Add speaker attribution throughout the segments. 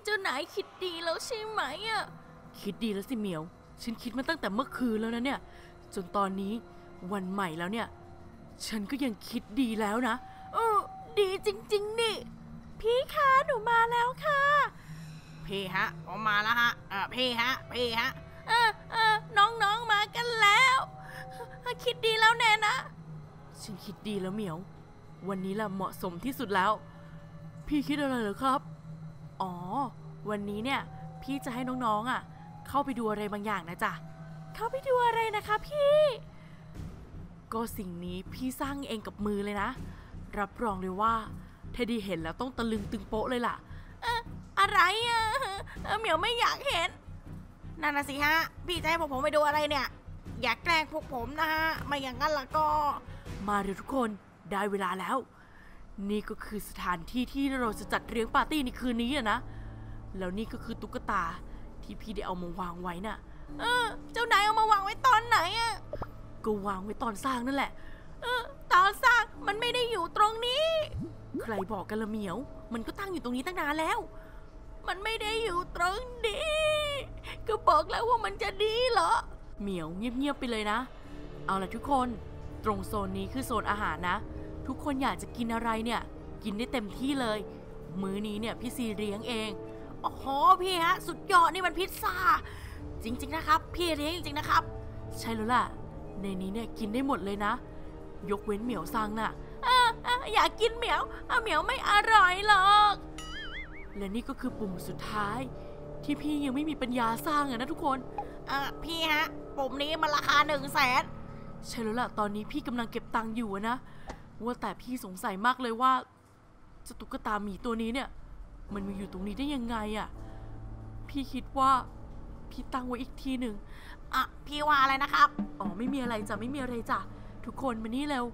Speaker 1: เจ้านายคิดดีแล้วใช่ไหมอะคิดดีแล้วสิเหมียวฉันคิดมาตั้งแต่เมื่อคืนแล้วนะเนี่ยจนตอนนี้วันใหม่แล้วเนี่ยฉันก็ยังคิดดีแล้วนะดีจริงๆนี่พี่คะหนูมาแล้วค่ะพี่ฮะผมมาแล้วฮะพี่ฮะน้องมากันแล้วคิดดีแล้วแน่นะฉันคิดดีแล้วเหมียววันนี้แหละเหมาะสมที่สุดแล้วพี่คิดอะไรเหรอครับอ๋อวันนี้เนี่ยพี่จะให้น้องๆเข้าไปดูอะไรบางอย่างนะจ๊ะเข้าไปดูอะไรนะคะพี่ก็สิ่งนี้พี่สร้างเองกับมือเลยนะรับรองเลยว่าเทดดี้เห็นแล้วต้องตะลึงตึงโป๊ะเลยล่ะอะไรเหมียวไม่อยากเห็นนั่นน่ะสิฮะพี่จะให้ผมไปดูอะไรเนี่ยอยากแกล้งพวกผมนะฮะไม่อย่างนั้นล่ะก็มาเร็วทุกคนได้เวลาแล้วนี่ก็คือสถานที่ที่เราจะจัดเลี้ยงปาร์ตี้ในคืนนี้นะแล้วนี่ก็คือตุ๊กตาที่พี่ได้เอามาวางไว้น่ะเจ้านายเอามาวางไว้ตอนไหนก็วางไว้ตอนสร้างนั่นแหละตอนสร้างมันไม่ได้อยู่ตรงนี้ใครบอกกันละเหมียวมันก็ตั้งอยู่ตรงนี้ตั้งนานแล้วมันไม่ได้อยู่ตรงนี้ก็บอกแล้วว่ามันจะดีเหรอเหมียวเงียบๆไปเลยนะเอาล่ะทุกคนตรงโซนนี้คือโซนอาหารนะทุกคนอยากจะกินอะไรเนี่ยกินได้เต็มที่เลยมื้อนี้เนี่ยพี่ซีเลี้ยงเองโอ้โหพี่ฮะสุดยอดนี่มันพิซซ่าจริงๆนะครับพี่เลี้ยงจริงๆนะครับใช่แล้วล่ะในนี้เนี่ยกินได้หมดเลยนะยกเว้นเหมียวซังน่ะอยากกินเหมียวเหมียวไม่อร่อยหรอกและนี่ก็คือปุ่มสุดท้ายที่พี่ยังไม่มีปัญญาสร้างนะทุกคนพี่ฮะปุ่มนี้มันราคา100,000ใช่แล้วล่ะตอนนี้พี่กำลังเก็บตังค์อยู่นะว่าแต่พี่สงสัยมากเลยว่าเจ้าตุ๊กตาหมีตัวนี้เนี่ยมันมาอยู่ตรงนี้ได้ยังไงพี่คิดว่าพี่ตั้งไว้อีกทีหนึ่งพี่ว่าอะไรนะครับอ๋อไม่มีอะไรจ้ะไม่มีอะไรจ้ะทุกคนมานี่เร็ว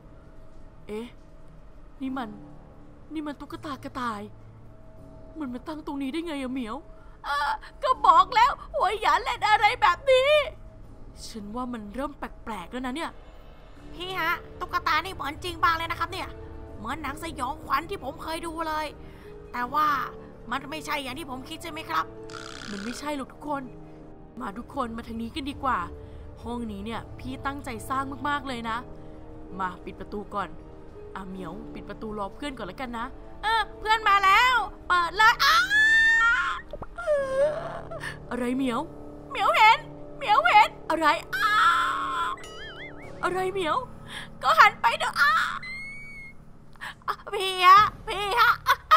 Speaker 1: นี่มันตุ๊กตากระต่ายมันมาตั้งตรงนี้ได้ไงเหมียวก็บอกแล้วว่าอย่าเล่นอะไรแบบนี้ฉันว่ามันเริ่มแปลกๆแล้วนะเนี่ยพี่ฮะตุ๊กตานี่เหมือนจริงบ้างเลยนะครับเนี่ยเหมือนหนังสยองขวัญที่ผมเคยดูเลยแต่ว่ามันไม่ใช่อย่างที่ผมคิดใช่ไหมครับมันไม่ใช่หรอกทุกคนมาทุกคนมาทางนี้กันดีกว่าห้องนี้เนี่ยพี่ตั้งใจสร้างมากๆเลยนะมาปิดประตูก่อนเหมียวปิดประตูรอเพื่อนก่อนแล้วกันนะเพื่อนมาแล้วเปิดเลยอะไรเหมียวเห็นอะไรอะไรเหมียวก็หันไปดูพี่ฮะพี่คะ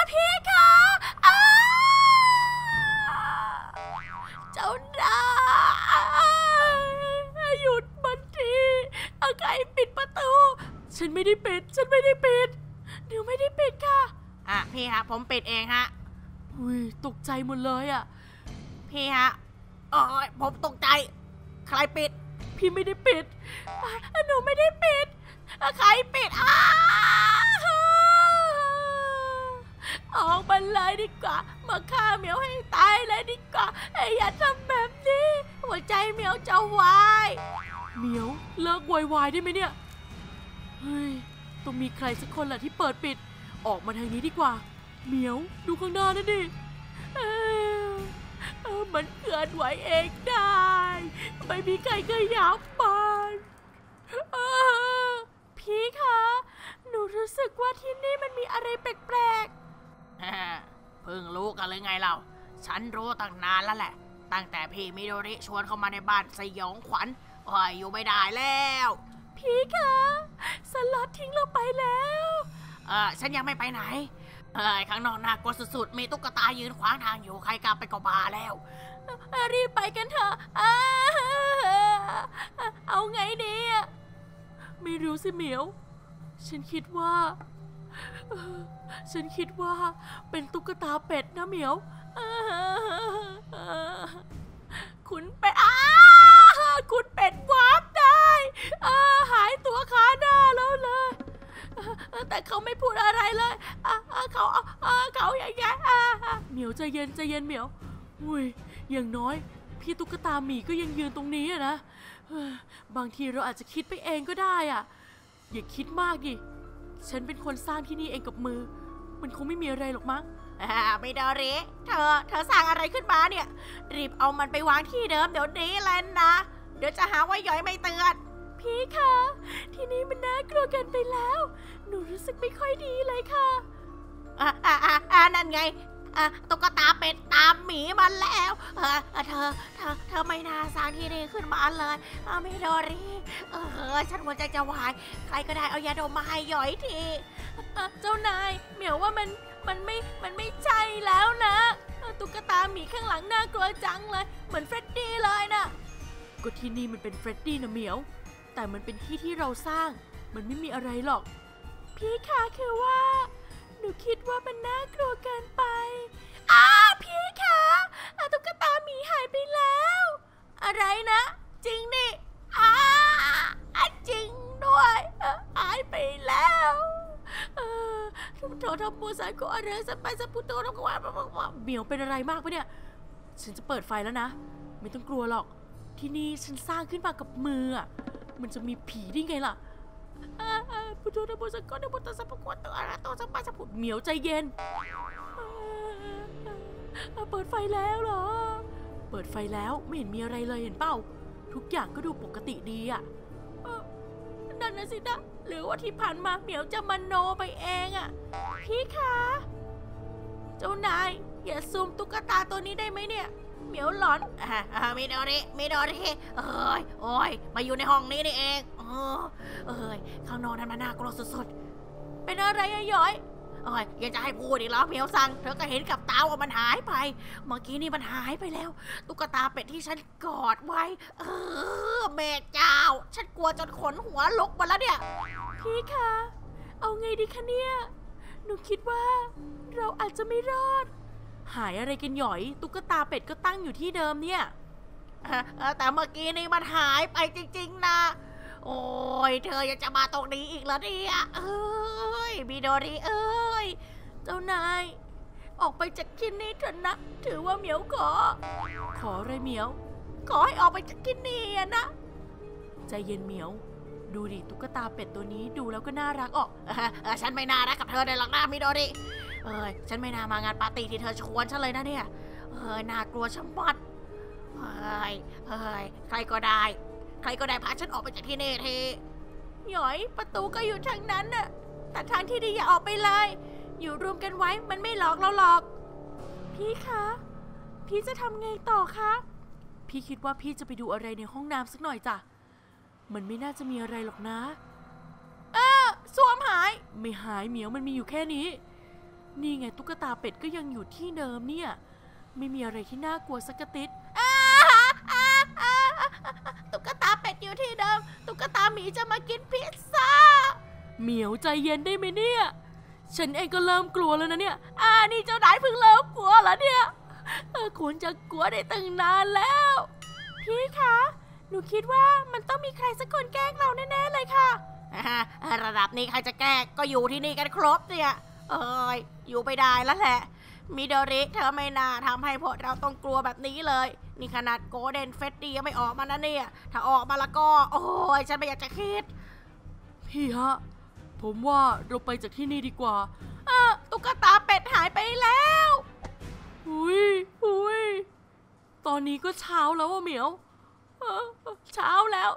Speaker 1: เจ้านายหยุดมันทีใครปิดประตูฉันไม่ได้ปิดเดี๋ยวไม่ได้ปิดค่ะพี่ฮะผมปิดเองฮะตกใจหมดเลยพี่ฮะผมตกใจใครปิดพี่ไม่ได้ปิดหนูไม่ได้ปิดใครปิดออกมาเลยดีกว่ามาฆ่าเหมียวให้ตายเลยดีกว่าอย่าทำแบบนี้หัวใจเหมียวจะวายเหมียวเลิกวายได้ไหมเนี่ยต้องมีใครสักคนแหละที่เปิดปิดออกมาทางนี้ดีกว่าเหมียวดูข้างหน้านั่นดิมันเคลื่อนไหวเองได้ไม่มีใครขยับมันพี่คะหนูรู้สึกว่าที่นี่มันมีอะไรแปลกๆเพิ่งรู้กันเลยไงเราฉันรู้ตั้งนานแล้วแหละตั้งแต่พี่มิโดริชวนเข้ามาในบ้านสยองขวัญอยู่ไม่ได้แล้วพี่คะสล็อตทิ้งเราไปแล้วฉันยังไม่ไปไหนข้างนอกน่ากลัวสุดๆมีตุ๊กตายืนขวางทางอยู่ใครกลับไปก็บาแล้วรีบไปกันเถอะเอาไงดีไม่รู้สิเหมียวฉันคิดว่าเป็นตุ๊กตาเป็ดนะเหมียวคุณเป็ดวาร์ปได้หายตัวขาหน้าแล้วเลยแต่เขาไม่พูดอะไรเลยเขาอย่างเงี้ยเหมียวใจเย็นเหมียวอย่างน้อยพี่ตุ๊กตาหมีก็ยังยืนตรงนี้นะบางทีเราอาจจะคิดไปเองก็ได้อย่าคิดมากดิฉันเป็นคนสร้างที่นี่เองกับมือมันคงไม่มีอะไรหรอกมั้ง
Speaker 2: มิโดริเธอสร้างอะไรขึ้นมาเนี่ยรีบเอามันไปวางที่เดิมเดี๋ยวนี้เลยนะเดี๋ยวจะหาว่าย้อยไม่เตือน
Speaker 1: พี่คะที่นี่มันน่ากลัวเกินไปแล้วหนูรู้สึกไม่ค่อยดีเลยค่ะ
Speaker 2: นั่นไงตุ๊กตาเป็ดตามหมีมาแล้วเธอไม่น่าสร้างที่นี่ขึ้นมาเลยมิโดริฉันหัวใจจะวายใครก็ได้เอายาดมมาให้ย้อยที
Speaker 1: เจ้านายเหมียวว่ามันไม่ใช่แล้วนะตุ๊กตาหมีข้างหลังน่ากลัวจังเลยเหมือนเฟรดดี้เลยนะก็ที่นี่มันเป็นเฟรดดี้นะเหมียวแต่มันเป็นที่ที่เราสร้างมันไม่มีอะไรหรอกพี่คะคือว่าหนูคิดว่ามันน่ากลัวเกินไปพี่คะตุ๊กตาหมีหายไปแล้ว
Speaker 2: อะไรนะจริงดิจริงด้วยหายไปแล้ว
Speaker 1: โทษทำปูสายก็อะไรสัไปสัปูโตแล้วก็ว่าเหมียวเป็นอะไรมากปะเนี่ยฉันจะเปิดไฟแล้วนะไม่ต้องกลัวหรอกที่นี่ฉันสร้างขึ้นมากับมือมันจะมีผีได้ไงล่ะพุทโธนะโมสังฆนะโมตัสสะภะคะวะโตอะระหะโตสัมมาสัมพุทธเหมียวใจเย็นเปิดไฟแล้วเหรอเปิดไฟแล้วไม่เห็นมีอะไรเลยเห็นเปล่าทุกอย่างก็ดูปกติดีนั่นนะสินะหรือว่าที่ผ่านมาเหมียวจะมโนไปเองพี่คะเจ้านายอย่าซูมตุ๊กตาตัวนี้ได้ไหมเนี่ยเหมียวหลอน
Speaker 2: มิโดริโอ้ยมาอยู่ในห้องนี้นี่เองข้างนอกนั้นมันน่ากลัวสุด
Speaker 1: ๆเป็นอะไรย้อย
Speaker 2: อยากจะให้พูดอีกแล้วเหมียวสั่งเธอก็เห็นกับตาว่ามันหายไปเมื่อกี้นี่มันหายไปแล้วตุ๊กตาเป็ดที่ฉันกอดไว้แม่เจ้าฉันกลัวจนขนหัวลุกมาแล้วเนี่ย
Speaker 1: พี่คะเอาไงดีคะเนี่ยหนูคิดว่าเราอาจจะไม่รอดหายอะไรกันหย่อยตุ๊กตาเป็ดก็ตั้งอยู่ที่เดิมเนี่ย
Speaker 2: แต่เมื่อกี้นี่มันหายไปจริงๆนะโอ้ยเธอยังจะมาตรงนี้อีกแล้วเนี่ยมิโดริ
Speaker 1: เจ้านายออกไปจากที่นี่เถอะนะถือว่าเหมียวขออะไรเหมียว
Speaker 2: ขอให้ออกไปจากที่นี่นะ
Speaker 1: ใจเย็นเหมียวดูดิตุ๊กตาเป็ดตัวนี้ดูแล้วก็น่ารัก
Speaker 2: ฉันไม่น่ารักกับเธอเลยหรอกนะมิโดริฉันไม่น่ามางานปาร์ตี้ที่เธอชวนฉันเลยนะเนี่ยน่ากลัวชะมัดใครก็ได้พาฉันออกไปจากที่นี่ที
Speaker 1: หย่อยประตูก็อยู่ทางนั้นน่ะแต่ทางที่ดีอย่าออกไปเลยอยู่รวมกันไว้มันไม่หลอกเราหรอกพี่คะพี่จะทำไงต่อคะพี่คิดว่าพี่จะไปดูอะไรในห้องน้ำสักหน่อยจ้ะมันไม่น่าจะมีอะไรหรอกนะ
Speaker 2: ส้วมหาย
Speaker 1: ไม่หายเหมียวมันมีอยู่แค่นี้นี่ไงตุ๊กตาเป็ดก็ยังอยู่ที่เดิมเนี่ยไม่มีอะไรที่น่ากลัวสักติด
Speaker 2: ตุ๊กตาเป็ดอยู่ที่เดิมตุ๊กตาหมีจะมากินพิซซ่า
Speaker 1: เหมียวใจเย็นได้ไหมเนี่ยฉันเองก็เริ่มกลัวแล้วนะเนี่ย
Speaker 2: นี่เจ้านายเพิ่งเริ่มกลัวแล้วเนี่ย
Speaker 1: ควรจะกลัวได้ตั้งนานแล้วพี่คะหนูคิดว่ามันต้องมีใครสักคนแกล้งเราแน่ๆเลยค่ะ
Speaker 2: ระดับนี้ใครจะแกล้งก็อยู่ที่นี่กันครบเนี่ยอยู่ไปได้แล้วแหละมิโดริเธอไม่น่าทำให้พวกเราต้องกลัวแบบนี้เลยนี่ขนาดโกลเด้นเฟดดี้ยังไม่ออกมานะเนี่ยถ้าออกมาแล้วก็ฉันไม่อยากจะคิด
Speaker 1: พี่ฮะผมว่าเราไปจากที่นี่ดีกว่า
Speaker 2: ตุ๊กตาเป็ดหายไปแล้ว
Speaker 1: อุ้ยตอนนี้ก็เช้าแล้วเหมียวเช้าแล้ว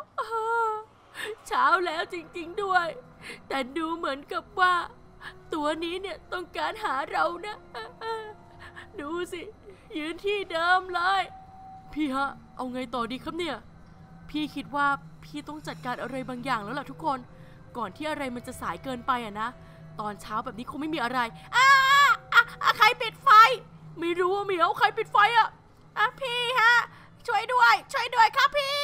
Speaker 1: จริงๆด้วยแต่ดูเหมือนกับว่าตัวนี้เนี่ยต้องการหาเรานะดูสิยืนที่เดิมเลยพี่ฮะเอาไงต่อดีครับเนี่ยพี่คิดว่าพี่ต้องจัดการอะไรบางอย่างแล้วล่ะทุกคนก่อนที่อะไรมันจะสายเกินไปนะตอนเช้าแบบนี้คงไม่มีอะไร
Speaker 2: ใครปิดไฟ
Speaker 1: ไม่รู้เหมียวใครปิดไฟ
Speaker 2: พี่ฮะช่วยด้วยครับพี่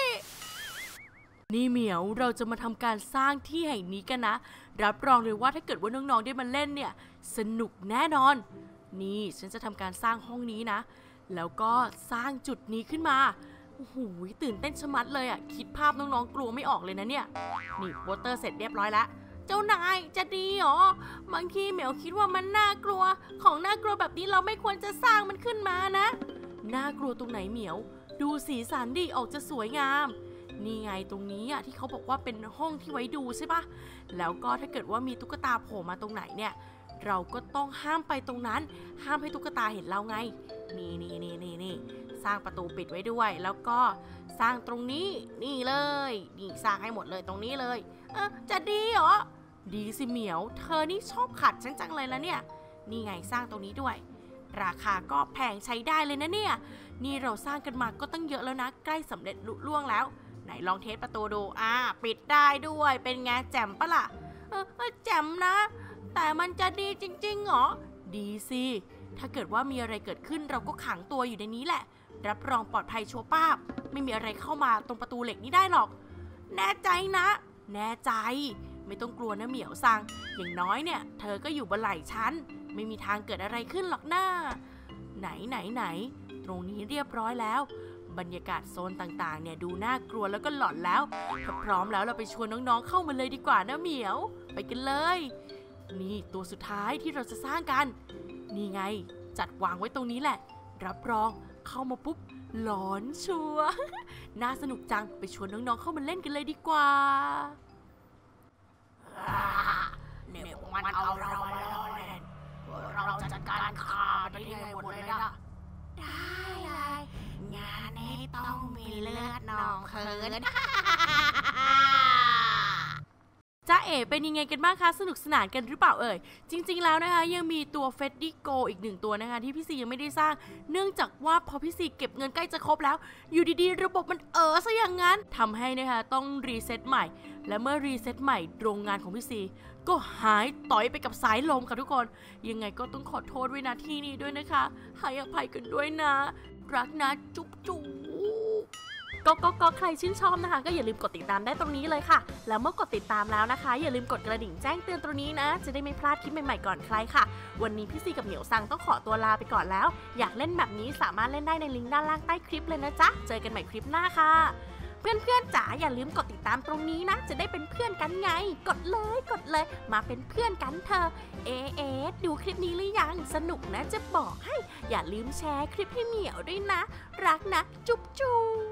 Speaker 1: นี่เหมียวเราจะมาทำการสร้างที่แห่งนี้กันนะรับรองเลยว่าถ้าเกิดว่าน้องๆได้มาเล่นเนี่ยสนุกแน่นอนนี่ฉันจะทำการสร้างห้องนี้นะแล้วก็สร้างจุดนี้ขึ้นมาโอ้โหตื่นเต้นชะมัดเลยคิดภาพน้องๆกลัวไม่ออกเลยนะเนี่ยนี่โปสเตอร์เสร็จเรียบร้อยแล้วเจ้านายจะดีหรอบางทีเหมียวคิดว่ามันน่ากลัวของน่ากลัวแบบนี้เราไม่ควรจะสร้างมันขึ้นมานะน่ากลัวตรงไหนเหมียวดูสีสันดิออกจะสวยงามนี่ไงตรงนี้ที่เขาบอกว่าเป็นห้องที่ไว้ดูใช่ปะแล้วก็ถ้าเกิดว่ามีตุ๊กตาโผล่มาตรงไหนเนี่ย
Speaker 2: เราก็ต้องห้ามไปตรงนั้นห้ามให้ตุ๊กตาเห็นเราไงนี่สร้างประตูปิดไว้ด้วยแล้วก็สร้างตรงนี้นี่เลยนี่สร้างให้หมดเลยตรงนี้เลยจะดีเหรอดีสิเหมียวเธอนี่ชอบขัดฉันจังเลยแล้วเนี่ยนี่ไงสร้างตรงนี้ด้วยราคาก็แพงใช้ได้เลยนะเนี่ยนี่เราสร้างกันมาก็ตั้งเยอะแล้วนะใกล้สำเร็จลุล่วงแล้วไหนลองเทสประตูดูปิดได้ด้วยเป็นไงแจ่มปะล่ะแจ่มนะแต่มันจะดีจริงๆเหรอดีสิถ้าเกิดว่ามีอะไรเกิดขึ้นเราก็ขังตัวอยู่ในนี้แหละรับรองปลอดภัยชัวร์ป้าบไม่มีอะไรเข้ามาตรงประตูเหล็กนี้ได้หรอกแน่ใจนะแน่ใจไม่ต้องกลัวนะเหมียวซังอย่างน้อยเนี่ยเธอก็อยู่บนไหล่ฉันไม่มีทางเกิดอะไรขึ้นหรอกนะไหนตรงนี้เรียบร้อยแล้วบรรยากาศโซนต่างๆเนี่ยดูน่ากลัวแล้วก็หลอนแล้วถ้าพร้อมแล้วเราไปชวนน้องๆเข้ามาเลยดีกว่านะเหมียวไปกันเลยนี่ตัวสุดท้ายที่เราจะสร้างกันนี่ไงจัดวางไว้ตรงนี้แหละรับรองเข้ามาปุ๊บหลอนชัวร์ น่าสนุกจังไปชวนน้องๆเข้ามาเล่นกันเลยดีกว่าเนี่ยมันเอาเรามาล้อเล่นเราจัดการฆ่ามันได้หมดเลยนะได้เลยงานนี้ต้องมีเลือดนองเขินจ้าเอ๋เป็นยังไงกันบ้างคะสนุกสนานกันหรือเปล่าเอ่ยจริงๆแล้วนะคะยังมีตัวเฟดดี้โกอีก1ตัวนะคะที่พี่ซียังไม่ได้สร้างเนื่องจากว่าพอพี่ซีเก็บเงินใกล้จะครบแล้วอยู่ดีๆระบบมันซะอย่างนั้นทำให้นะคะต้องรีเซ็ตใหม่และเมื่อรีเซ็ตใหม่โรงงานของพี่ซีก็หายต่อยไปกับสายลมค่ะทุกคนยังไงก็ต้องขอโทษไว้ณที่นี้ด้วยนะคะให้อภัยกันด้วยนะรักนะจุ๊บก็ใครชื่นชอบนะคะก็อย่าลืมกดติดตามได้ตรงนี้เลยค่ะแล้วเมื่อกดติดตามแล้วนะคะอย่าลืมกดกระดิ่งแจ้งเตือนตรงนี้นะจะได้ไม่พลาดคลิปใหม่ๆก่อนใครค่ะวันนี้พี่ซีกับเหมียวซังต้องขอตัวลาไปก่อนแล้วอยากเล่นแบบนี้สามารถเล่นได้ในลิงก์ด้านล่างใต้คลิปเลยนะจ๊ะเจอกันใหม่คลิปหน้าค่ะเพื่อนๆจ๋าอย่าลืมกดติดตามตรงนี้นะจะได้เป็นเพื่อนกันไงกดเลยมาเป็นเพื่อนกันเถอะดูคลิปนี้หรือยังสนุกนะจะบอกให้อย่าลืมแชร์คลิปให้เหมียวด้วยนะรักนะจุ๊บ